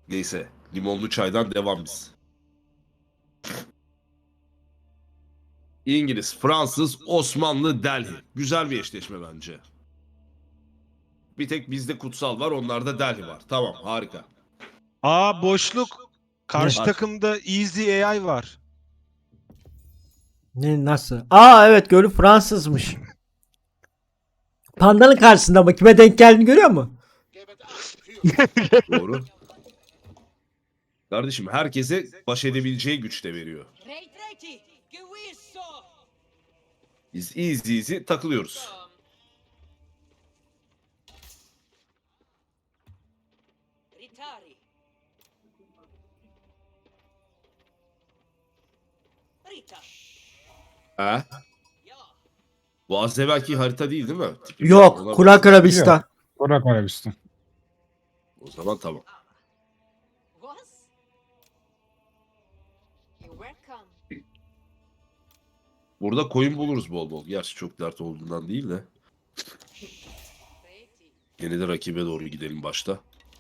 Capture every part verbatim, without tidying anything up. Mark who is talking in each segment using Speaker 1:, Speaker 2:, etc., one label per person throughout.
Speaker 1: Neyse. Limonlu çaydan devam biz. İngiliz, Fransız, Osmanlı, Delhi. Güzel bir eşleşme bence. Bir tek bizde kutsal var, onlarda Delhi var. Tamam, harika.
Speaker 2: Aa boşluk. Karşı
Speaker 3: Ne?
Speaker 1: Aç.
Speaker 2: takımda Easy A I var.
Speaker 3: Ne nasıl? Aa evet gölü Fransızmış. Pandanın karşısında mı? Kime denk geldiğini görüyor musun?
Speaker 1: Doğru. Kardeşim herkese baş edebileceği güçte veriyor. Biz easy easy takılıyoruz. He? Bu az evvelki harita değil değil mi? Tipi biraz
Speaker 3: Yok.
Speaker 1: ona
Speaker 3: Kurak
Speaker 1: benziyor.
Speaker 3: Arabistan.
Speaker 4: Kurak Arabistan.
Speaker 1: O zaman tamam. Burada koyun buluruz bol bol. Gerçi çok dert olduğundan değil de. Yine de rakibe doğru gidelim başta.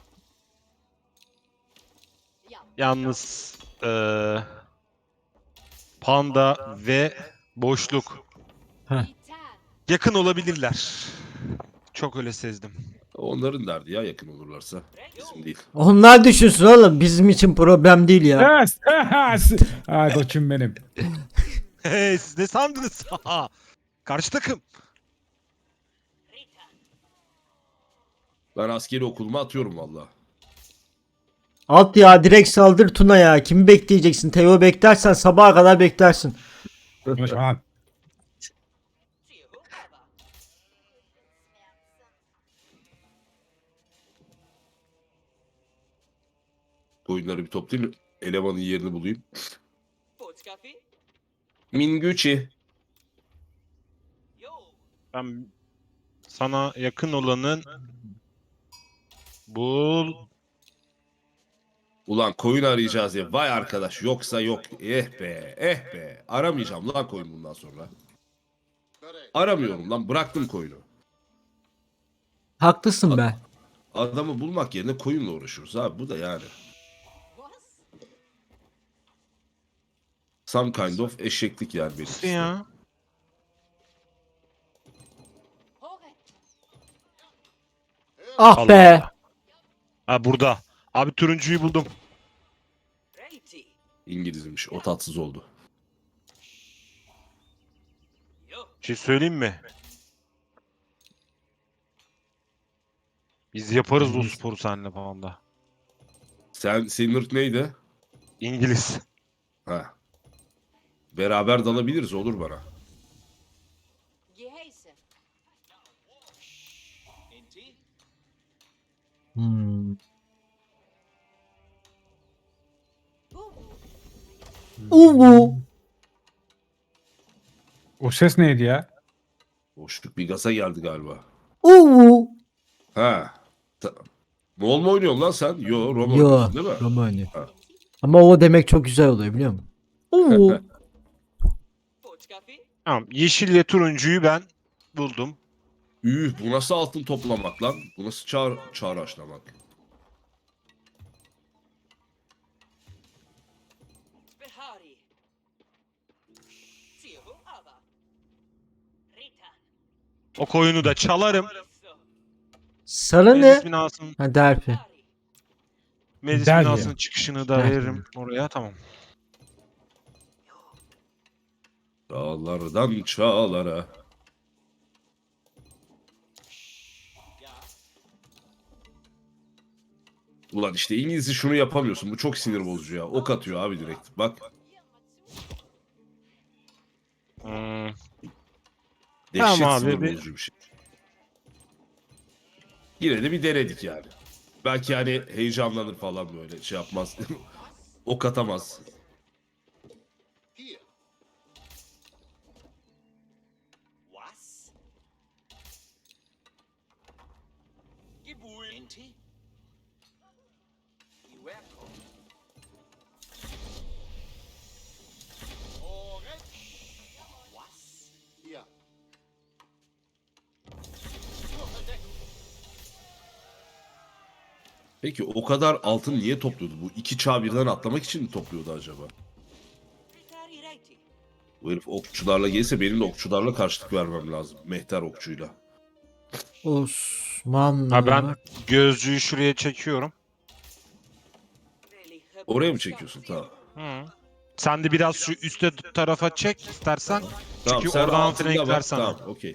Speaker 2: Yalnız eee, Panda ve boşluk
Speaker 3: Heh.
Speaker 2: yakın olabilirler. Çok öyle sezdim.
Speaker 1: Onların derdi ya yakın olurlarsa. Bizim değil.
Speaker 3: Onlar düşünsün oğlum. Bizim için problem değil ya.
Speaker 4: Yes. Ay koçum benim.
Speaker 2: Hey, siz ne sandınız? Karşı takım.
Speaker 1: Ben askeri okuluma atıyorum valla.
Speaker 3: Alt ya direkt saldır Tuna ya. Kimi bekleyeceksin? Teo beklersen sabaha kadar beklersin.
Speaker 4: Konuşma lan.
Speaker 1: Koyunları bir toplayayım. Elemanın yerini bulayım. Minguchi.
Speaker 2: Ben sana yakın olanın bul.
Speaker 1: Ulan koyun arayacağız ya. Vay arkadaş yoksa yok. Eh be eh be. Aramayacağım lan koyun bundan sonra. Aramıyorum lan bıraktım koyunu.
Speaker 3: Haklısın be.
Speaker 1: Adamı bulmak yerine koyunla uğraşıyoruz abi bu da yani. Some kind of eşeklik yani benim.
Speaker 2: Nasıl
Speaker 1: işte.
Speaker 2: ya?
Speaker 3: Ah
Speaker 2: Allah
Speaker 3: be.
Speaker 2: Allah. Ha burada. Abi turuncuyu buldum.
Speaker 1: İngilizmiş o tatsız oldu.
Speaker 2: Bir şey söyleyeyim mi? Biz yaparız o sporu seninle falan da.
Speaker 1: Sen senin ırk neydi?
Speaker 2: İngiliz.
Speaker 1: Ha. Beraber dalabiliriz olur bana.
Speaker 3: Hmm. Uvu.
Speaker 4: O ses neydi ya?
Speaker 1: Boşluk bir gaza geldi galiba.
Speaker 3: Uvu.
Speaker 1: Ha. Ta- Moğol mu oynuyorsun lan sen? Yo Roma
Speaker 3: Yo.
Speaker 1: oynuyorsun değil mi?
Speaker 3: Roma oynuyor.
Speaker 1: Ha.
Speaker 3: Ama o demek çok güzel oluyor biliyor musun? Uvu.
Speaker 2: Tamam. Yeşille turuncuyu ben buldum.
Speaker 1: Üh bu nasıl altın toplamak lan? Bu nasıl çağır, çağraşlamak?
Speaker 2: O koyunu da çalarım.
Speaker 3: Sarı
Speaker 2: Meclis
Speaker 3: ne?
Speaker 2: binasının,
Speaker 3: Ha derpi.
Speaker 2: meclis
Speaker 4: Derya.
Speaker 2: binasının çıkışını da
Speaker 3: Derya.
Speaker 2: veririm oraya. Tamam.
Speaker 1: Dağlardan çağlara. Ulan işte İngilizce şunu yapamıyorsun. Bu çok sinir bozucu ya. Ok atıyor abi direkt. Bak.
Speaker 2: Hmm.
Speaker 1: Dehşet
Speaker 2: Tamam abi,
Speaker 1: sinir
Speaker 2: bir-
Speaker 1: bozucu bir şey. Yine de bir denedik yani. Belki hani heyecanlanır falan böyle şey yapmaz. Ok atamaz. Peki o kadar altın niye topluyordu? Bu iki çağ birden atlamak için mi topluyordu acaba? Bu herif okçularla gelirse benim de okçularla karşılık vermem lazım. Mehter okçuyla.
Speaker 3: Osmanlı.
Speaker 2: Ha ben gözcüyü şuraya çekiyorum.
Speaker 1: Oraya mı çekiyorsun? Tamam.
Speaker 2: Hı. Sen de biraz şu üstte tarafa çek istersen.
Speaker 1: Tamam
Speaker 2: Çünkü
Speaker 1: sen
Speaker 2: oradan
Speaker 1: altında
Speaker 2: flank
Speaker 1: bak.
Speaker 2: versene.
Speaker 1: Tamam okey.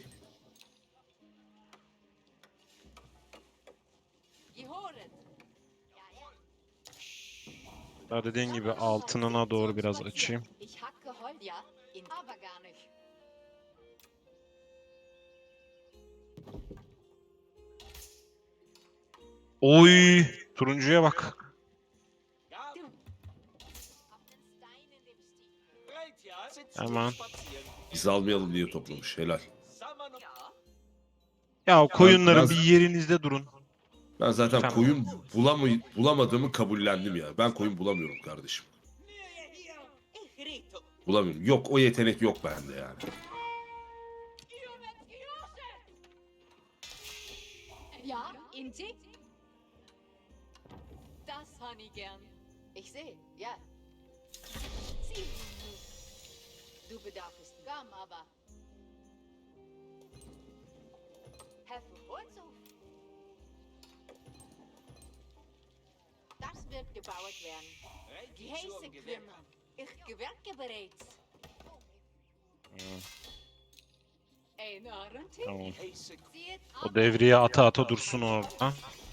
Speaker 2: Ya dediğin gibi altınına doğru biraz açayım. Oy, turuncuya bak. Hemen.
Speaker 1: Biz almayalım diye toplamış. Helal.
Speaker 2: Ya o koyunların
Speaker 1: Ben-
Speaker 2: bir yerinizde durun.
Speaker 1: Ben zaten
Speaker 2: Tamam.
Speaker 1: koyun bulamay bulamadığımı kabullendim ya. Ben koyun bulamıyorum kardeşim. Bulamıyorum. Yok o yetenek yok bende yani.
Speaker 5: Ja, Inti? Das han ich gern. Ich sehe, ja. Sieh. Du bedarfst Gamm, aber. Herr Verholzhof. Das wird gebaut werden. Die Häuser kümmern. Ich gewerke bereits. Ein Arenti?
Speaker 2: Tamam.
Speaker 5: Sieht
Speaker 2: O devriye ata ata dursun orada.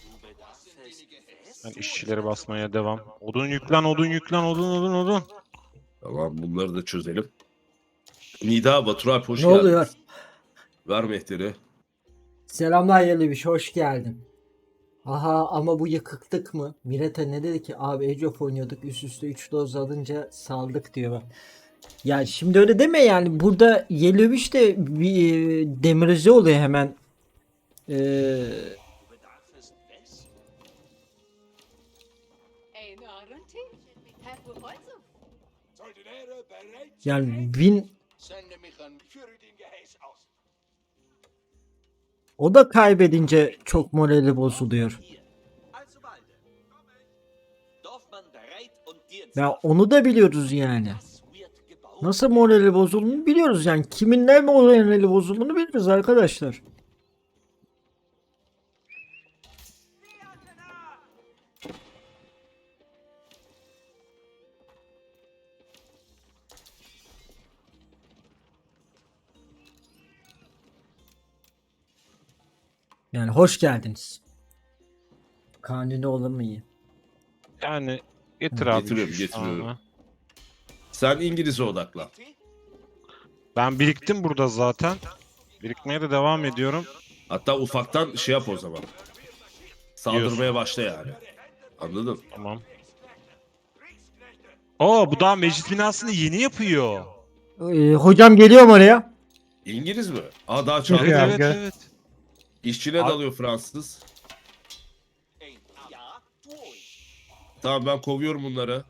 Speaker 2: Ben işçileri basmaya devam. Odun yüklen, odun yüklen, odun, odun, odun.
Speaker 1: Tamam bunları da çözelim. Nida Batur Alp hoş
Speaker 3: Ne
Speaker 1: geldin.
Speaker 3: oluyor?
Speaker 1: Ver mehteri.
Speaker 3: Selamlar Yeleviş, hoş geldin. Aha ama bu yıkıklık mı? Mireta ne dedi ki? Abi Age of oynuyorduk, üst üste üç doz alınca saldık diyor bak. Ya şimdi öyle deme yani. Burada Yeleviş de bir e, demirize oluyor hemen. Ee,
Speaker 5: ein Arenti? Herr Verholzhof.
Speaker 3: yani win o da kaybedince çok morali bozuluyor. Ya onu da biliyoruz yani. Nasıl morali bozulduğunu biliyoruz yani. Kimin ne morali bozulduğunu biliyoruz arkadaşlar. Yani hoş geldiniz. Kanuni olur mu iyi?
Speaker 2: Yani getir abi.
Speaker 1: Getiriyorum,
Speaker 2: şu
Speaker 1: getiriyorum.
Speaker 2: tane.
Speaker 1: Sen İngiliz'e odaklan.
Speaker 2: Ben biriktim burada zaten. Birikmeye de devam ediyorum.
Speaker 1: Hatta ufaktan şey yap o zaman. Saldırmaya başla yani. Anladın?
Speaker 2: Tamam. Oo bu daha meclis binasını yeni yapıyor.
Speaker 3: Ee, hocam geliyorum oraya.
Speaker 1: İngiliz mi? Aa daha
Speaker 2: Evet
Speaker 1: çağırdı.
Speaker 4: Ya,
Speaker 2: evet
Speaker 4: gel.
Speaker 2: evet.
Speaker 1: İşçine
Speaker 2: Abi-
Speaker 1: dalıyor Fransız. Tamam ben kovuyorum bunları.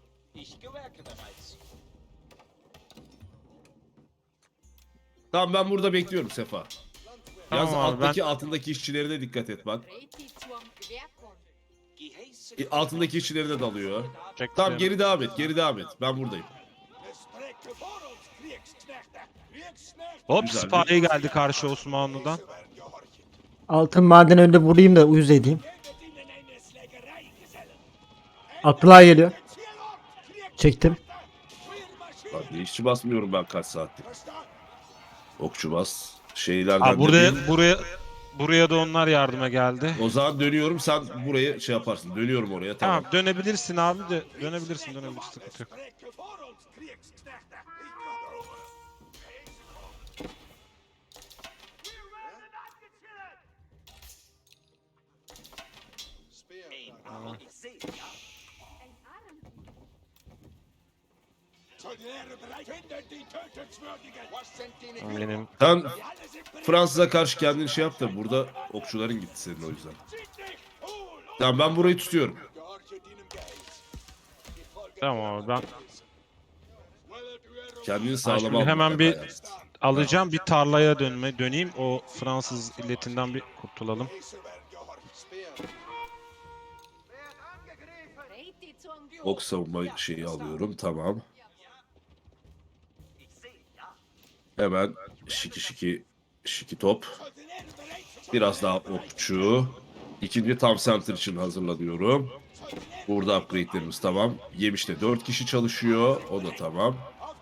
Speaker 1: Tamam ben burada bekliyorum Sefa. Yalnız
Speaker 2: Tamam abi,
Speaker 1: alttaki altındaki işçilere de dikkat et bak.
Speaker 5: Reti zum Gewerkung.
Speaker 1: E, Altındaki işçilere de dalıyor.
Speaker 2: Çek
Speaker 1: Tamam
Speaker 2: beni.
Speaker 1: geri devam et, geri devam et. Ben buradayım.
Speaker 2: Hop
Speaker 1: Güzel.
Speaker 2: Spy geldi karşı Osmanlı'dan.
Speaker 3: Altın maden önünde vurayım da uyuz edeyim. Atlığa geliyor. Çektim.
Speaker 1: Bak işçi basmıyorum ben kaç saattir. Okçu bas. Şeylerden
Speaker 2: Abi
Speaker 1: de
Speaker 2: buraya
Speaker 1: bir-
Speaker 2: buraya buraya da onlar yardıma geldi.
Speaker 1: O zaman dönüyorum sen buraya şey yaparsın. Dönüyorum oraya tamam.
Speaker 2: Tamam dönebilirsin abi de dönebilirsin dönebilirsin sıkıntı yok. Benim
Speaker 1: Sen Fransız'a karşı kendini şey yap da burada okçuların gitti senin o yüzden. Tamam ben burayı tutuyorum.
Speaker 2: tamam abi ben
Speaker 1: Kendini sağlama
Speaker 2: şimdi
Speaker 1: al
Speaker 2: hemen bir-
Speaker 1: mutlaka yani.
Speaker 2: alacağım bir tarlaya dönme döneyim o Fransız illetinden bir kurtulalım.
Speaker 1: Ok savunma şeyi alıyorum. Tamam. Hemen şiki şiki şiki top. Biraz daha okçu. İkinci tam center için hazırlanıyorum. Burada upgrade'lerimiz tamam. Yemiş'te dört kişi çalışıyor. O da tamam.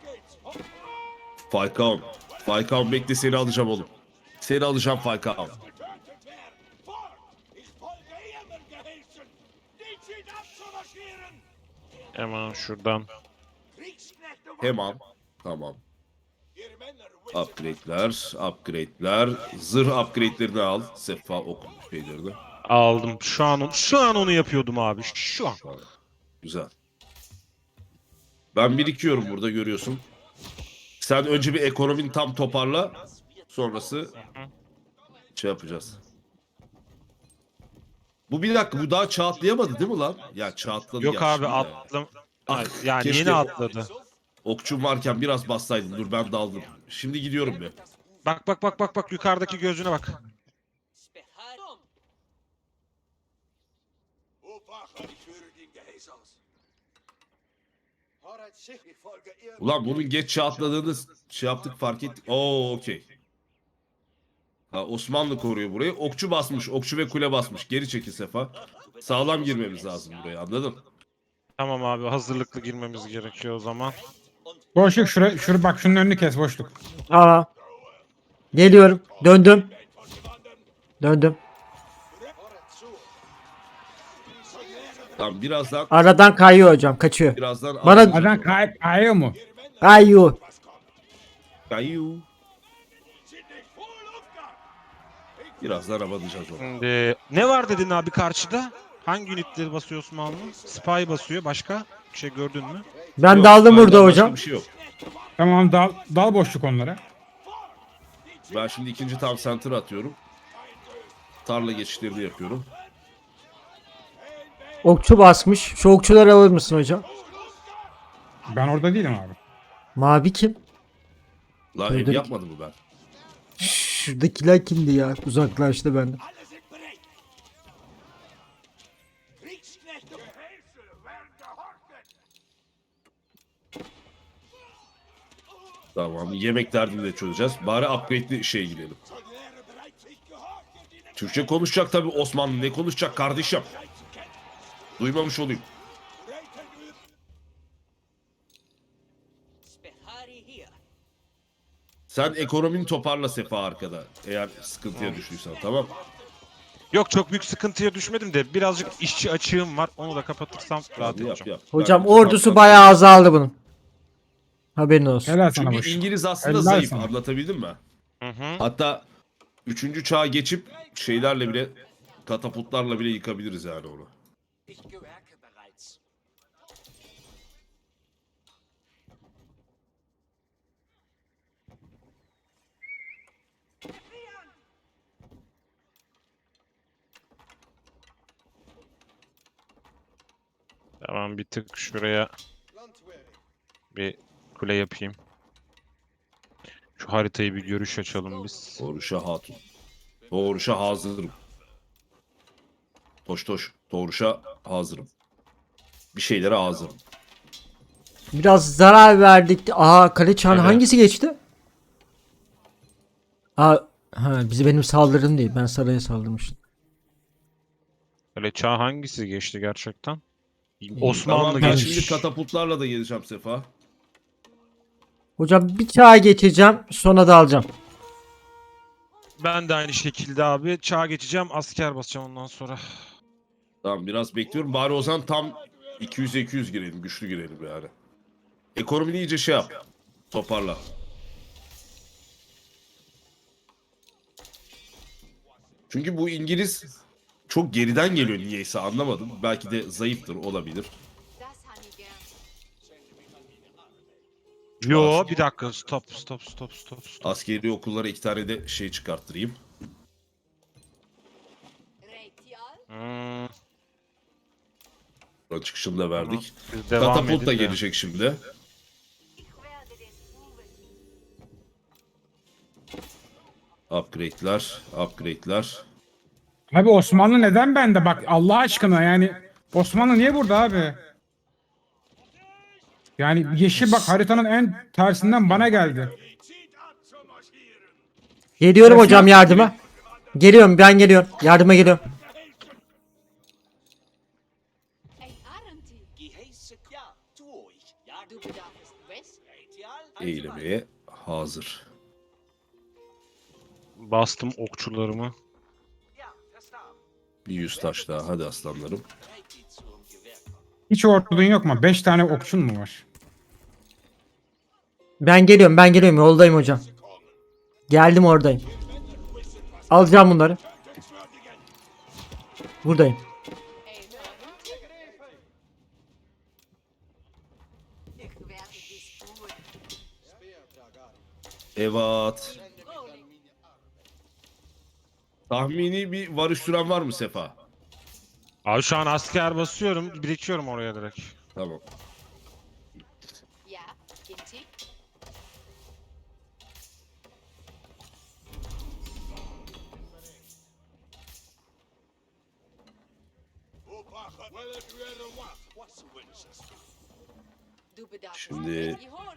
Speaker 1: Falcao. Falcao bekle, seni alacağım oğlum. Seni alacağım Falcao.
Speaker 2: Hemen şuradan.
Speaker 1: Hemen. Tamam. Upgrade'ler, upgrade'ler. Zırh upgrade'lerini al. Sefa ok şeylerini.
Speaker 2: Aldım. Şu an şu an onu yapıyordum abi. Şu an.
Speaker 1: Tamam. Güzel. Ben birikiyorum burada, görüyorsun. Sen önce bir ekonomini tam toparla. Sonrası şey yapacağız. Bu bir dakika, bu daha çağ atlayamadı değil mi lan? Ya çağ atladı
Speaker 2: Yok
Speaker 1: ya
Speaker 2: abi
Speaker 1: şimdi ya.
Speaker 2: atladım.
Speaker 1: Ah,
Speaker 2: Yani
Speaker 1: keşke
Speaker 2: yeni atladı.
Speaker 1: okçum varken biraz bassaydın. Dur ben daldım. Şimdi gidiyorum bir.
Speaker 2: Bak bak bak bak bak yukarıdaki gözüne bak.
Speaker 1: Ulan bunun geç çağ atladığını şey yaptık, fark ettik. Oo okey. Ha, Osmanlı koruyor burayı. Okçu basmış. Okçu ve kule basmış. Geri çekil Sefa. Sağlam girmemiz lazım buraya, anladın?
Speaker 2: Tamam abi hazırlıklı girmemiz gerekiyor o zaman.
Speaker 4: Boşluk şura, şura bak şunun önünü kes boşluk.
Speaker 3: Aa. Geliyorum. Döndüm. Döndüm.
Speaker 1: Tamam, birazdan
Speaker 3: Aradan kayıyor hocam. Kaçıyor.
Speaker 1: birazdan
Speaker 3: Bana-
Speaker 1: alacağız
Speaker 4: Adam
Speaker 1: onu.
Speaker 4: kay kayıyor mu?
Speaker 3: Kayıyor.
Speaker 1: Kayu. Birazdan alacağız onu.
Speaker 2: Şimdi ne var dedin abi karşıda? Hangi unitleri basıyor Osmanlı? Spy basıyor. Başka bir şey gördün mü?
Speaker 3: Ben
Speaker 1: Yok,
Speaker 3: daldım
Speaker 1: benden
Speaker 3: burada
Speaker 1: başka
Speaker 3: hocam.
Speaker 1: Bir şey yok.
Speaker 4: Tamam dal, dal boşluk onlara.
Speaker 1: Ben şimdi ikinci tam center atıyorum. Tarla geçişlerini yapıyorum.
Speaker 3: Okçu basmış. Şu okçuları alır mısın hocam?
Speaker 4: Ben orada değilim abi.
Speaker 3: Mavi kim?
Speaker 1: La ev
Speaker 3: Duydum.
Speaker 1: yapmadı mı ben?
Speaker 3: Şuradakiler kimdi ya? Uzaklaştı benden.
Speaker 1: Tamam, yemek derdini de çözeceğiz. Bari upgrade'li şeye gidelim. Türkçe konuşacak tabii Osmanlı. Ne konuşacak kardeşim? Duymamış olayım. Sen ekonomini toparla Sefa arkada. Eğer sıkıntıya düştüysen, tamam.
Speaker 2: Yok çok büyük sıkıntıya düşmedim de birazcık işçi açığım var. Onu da kapatırsam rahat
Speaker 1: Hadi yap
Speaker 2: edeceğim.
Speaker 1: yap.
Speaker 3: Hocam
Speaker 1: Ben-
Speaker 3: ordusu
Speaker 1: ben-
Speaker 3: bayağı azaldı bunun. Haberin olsun.
Speaker 4: Helal sana
Speaker 1: Çünkü
Speaker 4: boşluk.
Speaker 1: İngiliz aslında
Speaker 4: Helal
Speaker 1: zayıf,
Speaker 4: sana.
Speaker 1: anlatabildim mi?
Speaker 2: Hı hı.
Speaker 1: Hatta üçüncü çağa geçip şeylerle bile, katapultlarla bile yıkabiliriz yani onu.
Speaker 2: Tamam bir tık şuraya bir kule yapayım. Şu haritayı bir görüş açalım biz.
Speaker 1: Doğruşa hatun. Doğruşa hazırım. Toş toş. Doğruşa hazırım. Bir şeylere hazırım.
Speaker 3: Biraz zarar verdik. Aha kale çağını
Speaker 2: Evet.
Speaker 3: hangisi geçti? Aa, ha, bizi benim saldırım değil. Ben saraya saldırmıştım.
Speaker 2: Öyle çağ hangisi geçti gerçekten?
Speaker 1: Tamam,
Speaker 2: Osmanlı
Speaker 1: ben
Speaker 2: geçmiş.
Speaker 1: şimdi katapultlarla da geleceğim Sefa.
Speaker 3: Hocam bir çağ geçeceğim. Sonra da alacağım.
Speaker 2: Ben de aynı şekilde abi çağ geçeceğim, asker basacağım ondan sonra.
Speaker 1: Tamam, biraz bekliyorum. Bari o zaman tam iki yüze iki yüz girelim. Güçlü girelim yani. Ekonomini iyice şey yap. Toparla. Çünkü bu İngiliz çok geriden geliyor niyeyse, anlamadım. Belki de zayıftır, olabilir.
Speaker 5: Das han ich gern.
Speaker 2: Yo bir dakika stop stop stop stop stop.
Speaker 1: Askeri okullara iki tane de şey çıkarttırayım.
Speaker 5: Reitial.
Speaker 2: Hmm,
Speaker 1: Buranın çıkışını da verdik.
Speaker 2: biz devam
Speaker 1: Katapult da
Speaker 2: edin de.
Speaker 1: gelecek şimdi.
Speaker 5: Ich werde des Ruhmes.
Speaker 1: Upgrade'ler, upgrade'ler.
Speaker 4: Abi Osmanlı neden bende bak Allah aşkına yani Osmanlı niye burada abi? Yani yeşil bak haritanın en tersinden bana geldi.
Speaker 3: Geliyorum
Speaker 4: Resmen-
Speaker 3: hocam yardıma. Geliyorum ben geliyorum. Yardıma geliyorum.
Speaker 5: Ein Arenti.
Speaker 6: Geheiße ja, tu ich. Ja,
Speaker 5: Du bedarfst West.
Speaker 6: Retial.
Speaker 1: Eğilmeye hazır.
Speaker 2: Bastım okçularımı.
Speaker 6: Ja, verstaan.
Speaker 1: Bir yüz taş daha. Hadi aslanlarım.
Speaker 6: Bereit die zum Gewehr kommen.
Speaker 4: Hiç ordun yok mu? Beş tane okçun mu var?
Speaker 3: Ben geliyorum ben geliyorum yoldayım hocam. Geldim oradayım. Alacağım bunları. Buradayım.
Speaker 5: Ein Arenti. Ich werde dies tun.
Speaker 1: Evet.
Speaker 5: Rohling.
Speaker 1: Tahmini bir varış süren var mı Sefa?
Speaker 2: Abi şu an asker basıyorum. Birikiyorum oraya direkt.
Speaker 1: Tamam.
Speaker 5: Ja, Inti. Du bedarfst
Speaker 1: Şimdi-
Speaker 5: die Horde.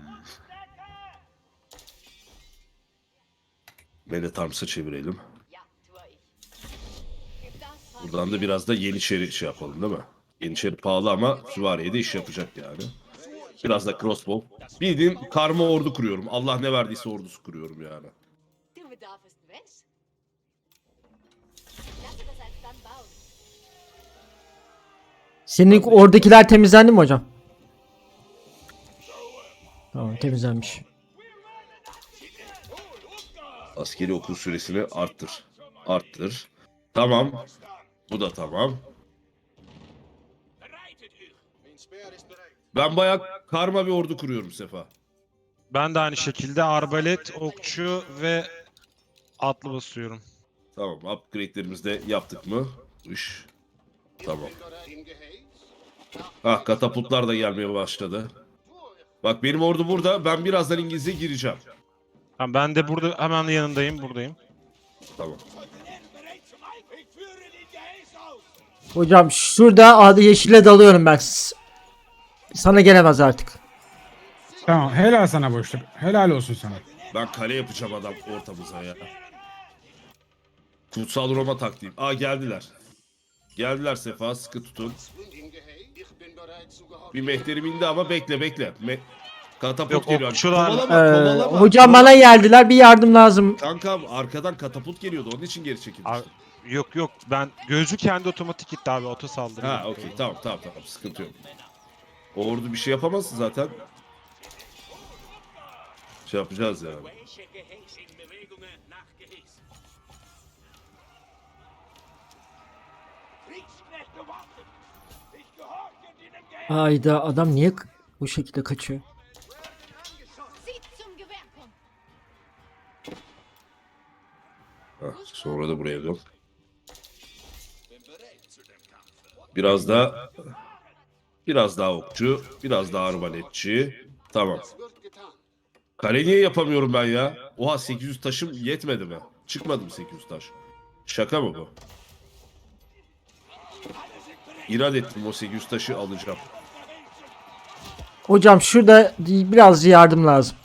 Speaker 1: Meletarms'a çevirelim.
Speaker 5: Ja, tue ich. Gib das Hand
Speaker 1: Buradan da biraz da Yeniçeri şey yapalım değil mi? Yeniçeri pahalı ama süvariye de iş yapacak yani. Biraz da crossbow. Bildiğin karma ordu kuruyorum. Allah ne verdiyse ordusu kuruyorum yani.
Speaker 5: Du bedarfst West. Lasse das alsdann bauen.
Speaker 3: Senin oradakiler temizlendi mi hocam? Tamam temizlenmiş.
Speaker 1: Askeri okul süresini arttır. Arttır. Tamam. Bu da tamam. Ben bayağı karma bir ordu kuruyorum Sefa.
Speaker 2: Ben de aynı şekilde arbalet, okçu ve atlı basıyorum.
Speaker 1: Tamam, upgrade'lerimizi de yaptık mı? Iş. Tamam. Ah, katapultlar da gelmeye başladı. Bak benim ordu burada. Ben birazdan İngiliz'e gireceğim.
Speaker 2: Tamam, ben de burada hemen yanındayım, buradayım.
Speaker 1: Tamam.
Speaker 3: Hocam şurada adı yeşile dalıyorum ben. S- Sana gelemez artık.
Speaker 4: Tamam helal sana boşluk. Helal olsun sana.
Speaker 1: Ben kale yapacağım adam ortamıza ya. Kutsal Roma taktiğim. Aa geldiler. Geldiler Sefa, sıkı tutun. Bir mehterim indi ama bekle bekle. Me katapult
Speaker 2: Yok,
Speaker 1: geliyor.
Speaker 2: okçular-
Speaker 1: Kovalama,
Speaker 3: Ee,
Speaker 1: kovalama.
Speaker 3: hocam bana geldiler bir yardım lazım.
Speaker 1: Kankam arkadan katapult geliyordu. Onun için geri çekilmiştim.
Speaker 2: Abi, yok yok, ben gözü kendi otomatik gitti abi, oto saldırı.
Speaker 1: Ha okey, tamam tamam tamam, sıkıntı yok. O ordu bir şey yapamazsın zaten. Şey yapacağız yani.
Speaker 6: Welche geheißen Bewegungen nach Geheiß?
Speaker 3: Ayda adam niye k- bu şekilde kaçıyor?
Speaker 5: Sieht zum Gewehr kommen.
Speaker 1: Hah, sonra da buraya dön. Biraz daha biraz daha okçu, biraz daha arbaletçi. Tamam. Kale niye yapamıyorum ben ya? Oha, sekiz yüz taşım yetmedi mi? Çıkmadı mı sekiz yüz taş? Şaka mı bu? İrad ettim, o sekiz yüz taşı alacağım.
Speaker 3: Hocam şurada biraz yardım lazım.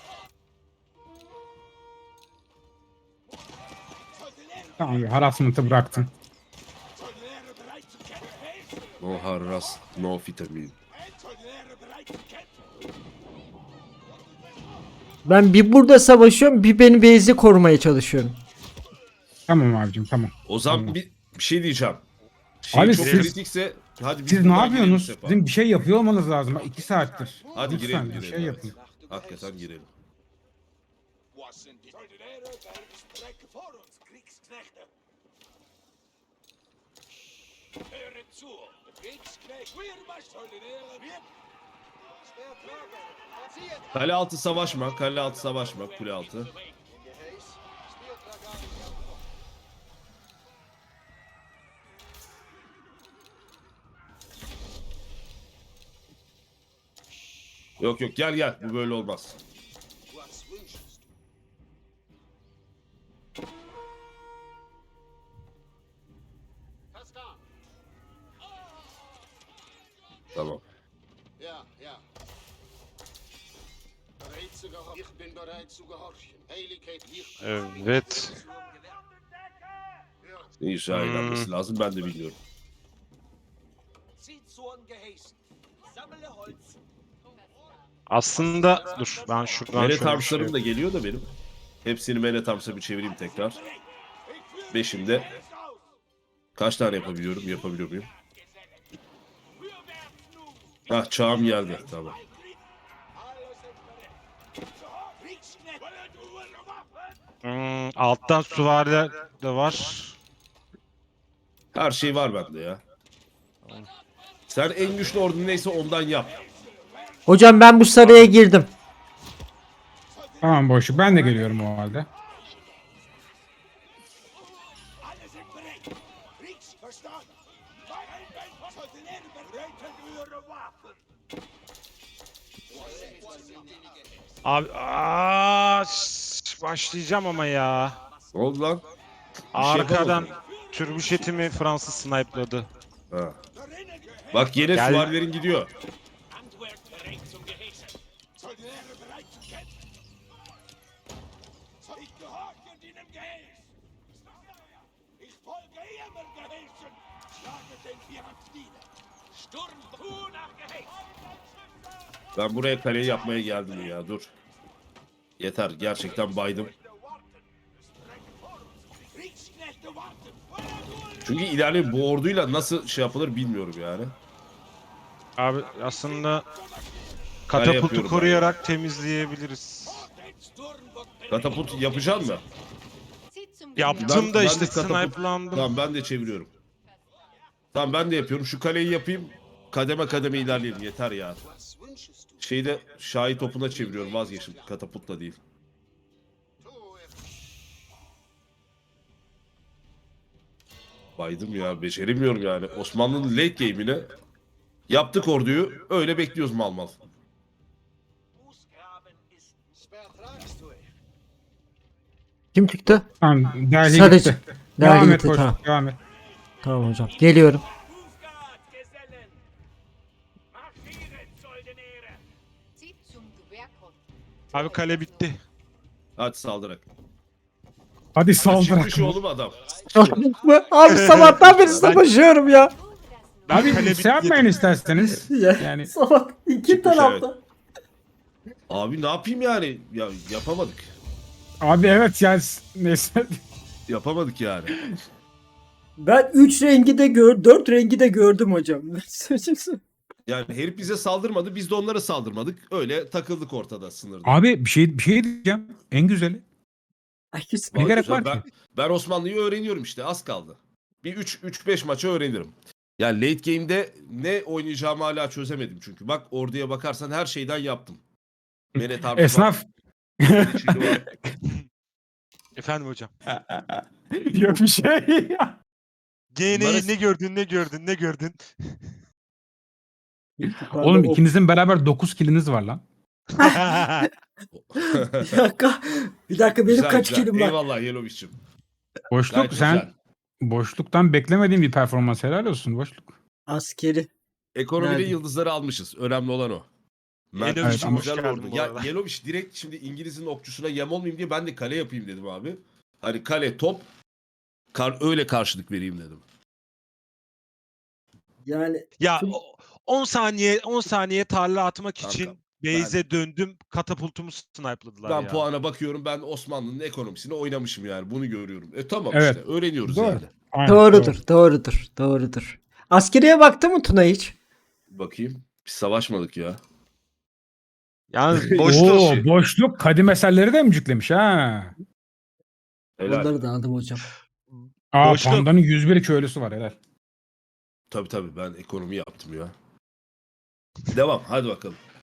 Speaker 4: Tamam harassment'ı bıraktın.
Speaker 1: No harras, no vitamin.
Speaker 3: Ben bir burada savaşıyorum bir beni base'de korumaya çalışıyorum.
Speaker 4: Tamam abicim tamam.
Speaker 1: O zaman
Speaker 4: Tamam.
Speaker 1: bir, bir şey diyeceğim. Şey
Speaker 4: Abi
Speaker 1: çok
Speaker 4: siz-
Speaker 1: kritikse hadi biz
Speaker 4: Siz ne
Speaker 1: buradan girelim
Speaker 4: yapıyorsunuz?
Speaker 1: Sefa.
Speaker 4: Sizin bir şey yapıyor olmanız lazım. Bak iki saattir.
Speaker 1: Hadi
Speaker 4: Lütfen
Speaker 1: girelim
Speaker 4: bir
Speaker 1: girelim.
Speaker 4: şey
Speaker 1: evet.
Speaker 4: yapın.
Speaker 1: Hakikaten girelim. Kale altı savaşma, kale altı savaşma, kule altı. Yok yok, gel gel, bu böyle olmaz. Tamam.
Speaker 7: Ja, ja. Bereit zu gehorchen. Ich bin bereit zu gehorchen. Heiligkeit liegt.
Speaker 2: Evet.
Speaker 1: İnşa
Speaker 2: Hmm.
Speaker 1: edilmesi lazım, ben de biliyorum.
Speaker 6: Zieht Zorn geheißen. Sammle Holz.
Speaker 2: Aslında dur ben şuradan
Speaker 1: Mene
Speaker 2: şöyle bir şey
Speaker 1: Tarms'larım da geliyor da benim. Hepsini Mene Tarms'a bir çevireyim tekrar. Beşinde kaç tane yapabiliyorum? Yapabiliyor muyum? Hah, çağım geldi. Tamam.
Speaker 2: Hmm, alttan süvariler de var.
Speaker 1: Her şey var bende ya. Sen en güçlü ordun neyse ondan yap.
Speaker 3: Hocam ben bu saraya girdim.
Speaker 4: Tamam boşluk. Ben de geliyorum o halde.
Speaker 2: Abi aa, şş, başlayacağım ama ya.
Speaker 1: Ne oldu lan? şey
Speaker 2: Arkadan
Speaker 1: yapamadın.
Speaker 2: türbüşetimi Fransız snipe'ladı.
Speaker 1: Ha. Bak yine
Speaker 2: Gel.
Speaker 1: süvarilerin gidiyor.
Speaker 6: Handwerk bereit zum Geheißen. Sturm zu nach Geheiß.
Speaker 1: Ben buraya kaleyi yapmaya geldim ya, dur. Yeter, gerçekten baydım. Çünkü ileride bu orduyla nasıl şey yapılır bilmiyorum yani.
Speaker 2: Abi aslında
Speaker 1: Kale
Speaker 2: katapultu
Speaker 1: yapıyorum ben.
Speaker 2: koruyarak temizleyebiliriz.
Speaker 1: Katapult yapacaksın mı?
Speaker 5: Zieht zum
Speaker 2: Yaptım
Speaker 1: Ben-
Speaker 2: da
Speaker 1: ben
Speaker 2: işte
Speaker 1: de katapult-
Speaker 2: snipe'landım.
Speaker 1: Tamam, ben de çeviriyorum. Tamam, ben de yapıyorum. Şu kaleyi yapayım. Kademe kademe ilerleyelim, yeter ya.
Speaker 7: Was wünschest du?
Speaker 1: Şeyde şahi topuna çeviriyorum, vazgeçtim. Katapultla değil.
Speaker 7: Tu es.
Speaker 1: Baydım ya, beceremiyorum yani. Osmanlı'nın late game'ine yaptık orduyu, öyle bekliyoruz mal mal.
Speaker 6: Fußgraben ist
Speaker 7: Vertragst du es?
Speaker 3: Kim çıktı?
Speaker 4: Tamam. Derli
Speaker 3: Sadece-
Speaker 4: gitti.
Speaker 3: Derli
Speaker 4: Devam et
Speaker 3: gitti,
Speaker 4: boşluk.
Speaker 3: tamam.
Speaker 4: Devam et.
Speaker 3: Tamam hocam. Geliyorum.
Speaker 6: Hufgard, Gesellen. Marschiert, Soldenäre.
Speaker 5: Zieht zum Gewehrkopf.
Speaker 2: Abi kale bitti.
Speaker 1: Hadi saldırak.
Speaker 4: Hadi
Speaker 1: Çıkmış
Speaker 4: saldırak.
Speaker 1: oğlum adam.
Speaker 3: Abi sabahtan beri savaşıyorum ya.
Speaker 4: Abi
Speaker 2: Kale
Speaker 4: şey yapmayın isterseniz.
Speaker 3: Ya,
Speaker 4: Yani
Speaker 3: sabah iki
Speaker 1: Çıkmış,
Speaker 3: tarafta.
Speaker 1: Abi ne yapayım yani? Ya yapamadık.
Speaker 4: abi evet yani neyse.
Speaker 1: Yapamadık yani.
Speaker 3: Ben üç rengi de gör, dört rengi de gördüm hocam.
Speaker 1: Yani herif bize saldırmadı, biz de onlara saldırmadık. Öyle takıldık ortada, sınırda.
Speaker 4: Abi bir şey bir şey diyeceğim. En güzeli.
Speaker 3: Ay, güzel.
Speaker 4: Ne
Speaker 1: Vallahi
Speaker 4: gerek
Speaker 1: güzel.
Speaker 4: var
Speaker 1: ben,
Speaker 4: ki?
Speaker 1: ben Osmanlı'yı öğreniyorum işte, az kaldı. Bir üç beş maça öğrenirim. Yani late game'de ne oynayacağımı hala çözemedim çünkü. Bak orduya bakarsan her şeyden yaptım. Mene Tarsus var,
Speaker 4: Esnaf.
Speaker 1: Yeniçeri var.
Speaker 2: Efendim hocam.
Speaker 4: Yok bir şey.
Speaker 2: G N'yi
Speaker 1: Bunları-
Speaker 2: ne gördün ne gördün ne gördün?
Speaker 4: Oğlum ikinizin beraber dokuz kiliniz var lan.
Speaker 3: Bir dakika. Bir dakika benim
Speaker 1: Güzel,
Speaker 3: kaç
Speaker 1: güzel.
Speaker 3: kilim var?
Speaker 1: Eyvallah Yelovic'cim.
Speaker 4: Boşluk
Speaker 1: Gayet
Speaker 4: sen
Speaker 1: güzel.
Speaker 4: boşluktan beklemediğin bir performans, helal olsun boşluk.
Speaker 3: Askeri.
Speaker 1: Ekonomide
Speaker 3: Nerede?
Speaker 1: yıldızları almışız. Önemli olan o. Mert
Speaker 2: Yelovic
Speaker 1: için
Speaker 4: ama-
Speaker 1: güzel
Speaker 2: hoş geldin
Speaker 1: ordu.
Speaker 2: bu
Speaker 1: Ya
Speaker 2: arada.
Speaker 1: Yelovic direkt şimdi İngiliz'in okçusuna yem olmayayım diye ben de kale yapayım dedim abi. Hani kale top, kar, öyle karşılık vereyim dedim.
Speaker 3: Yani
Speaker 2: Ya
Speaker 3: Tüm-
Speaker 2: o- on saniye on saniye tarla atmak
Speaker 1: Kanka,
Speaker 2: için base'e döndüm. Katapultumu snipe'ladılar
Speaker 1: Ben
Speaker 2: ya.
Speaker 1: puana bakıyorum, ben Osmanlı'nın ekonomisini oynamışım yani, bunu görüyorum. E tamam
Speaker 4: Evet.
Speaker 1: işte öğreniyoruz
Speaker 4: Doğru.
Speaker 1: yani.
Speaker 4: Aynen,
Speaker 3: doğrudur,
Speaker 4: doğru.
Speaker 3: doğrudur, doğrudur. Askeriye baktı mı Tuna hiç?
Speaker 1: Bakayım, biz savaşmadık ya.
Speaker 2: Yalnız
Speaker 4: Oo,
Speaker 2: boşluk.
Speaker 4: boşluk kadim eserleri de emciklemiş ha.
Speaker 1: Helal.
Speaker 3: Onları da aldım hocam.
Speaker 4: Aa
Speaker 2: Boşluk.
Speaker 4: pandanın yüz bir köylüsü var helal.
Speaker 1: Tabii tabii, ben ekonomi yaptım ya. Devam, hadi bakalım.